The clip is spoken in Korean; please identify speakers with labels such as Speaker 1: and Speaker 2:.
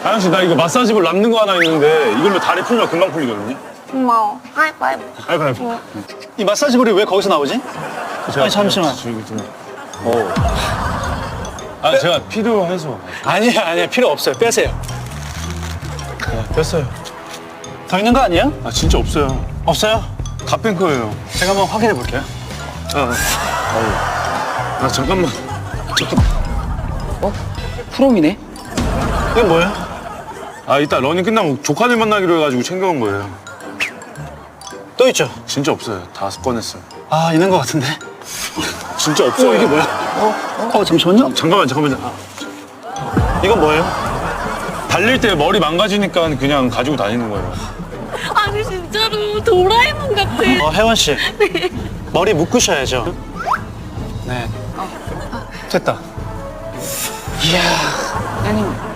Speaker 1: 아영 씨, 나 이거 마사지볼 남는 거 하나 있는데 이걸로 다리 풀면 금방 풀리거든요.
Speaker 2: 고마워. 하이파이브.
Speaker 1: 아이고.
Speaker 3: 이 마사지볼이 왜 거기서 나오지? 아니, 잠시만.
Speaker 1: 아, 제가 필요해서.
Speaker 3: 아니야, 필요 없어요. 빼세요.
Speaker 1: 뺐어요.
Speaker 3: 더 있는 거 아니에요?
Speaker 1: 아, 진짜 없어요.
Speaker 3: 없어요?
Speaker 1: 다 뺀 거예요.
Speaker 3: 제가 한번 확인해 볼게요.
Speaker 1: 아, 잠깐만.
Speaker 3: 프롬이네? 이게 뭐예요?
Speaker 1: 아, 이따 러닝 끝나면 조카들 만나기로 해가지고 챙겨온 거예요.
Speaker 3: 또 있죠?
Speaker 1: 진짜 없어요. 다 꺼냈어요.
Speaker 3: 아, 있는 거 같은데.
Speaker 1: 진짜 없어요.
Speaker 3: 이게 뭐야? 잠시만요.
Speaker 1: 잠깐만요.
Speaker 3: 이건 뭐예요?
Speaker 1: 달릴 때 머리 망가지니까 그냥 가지고 다니는 거예요.
Speaker 2: 아니 진짜로 도라에몽 같아.
Speaker 3: 혜원 씨. 머리 묶으셔야죠. 네. 됐다. 이야.
Speaker 2: 아니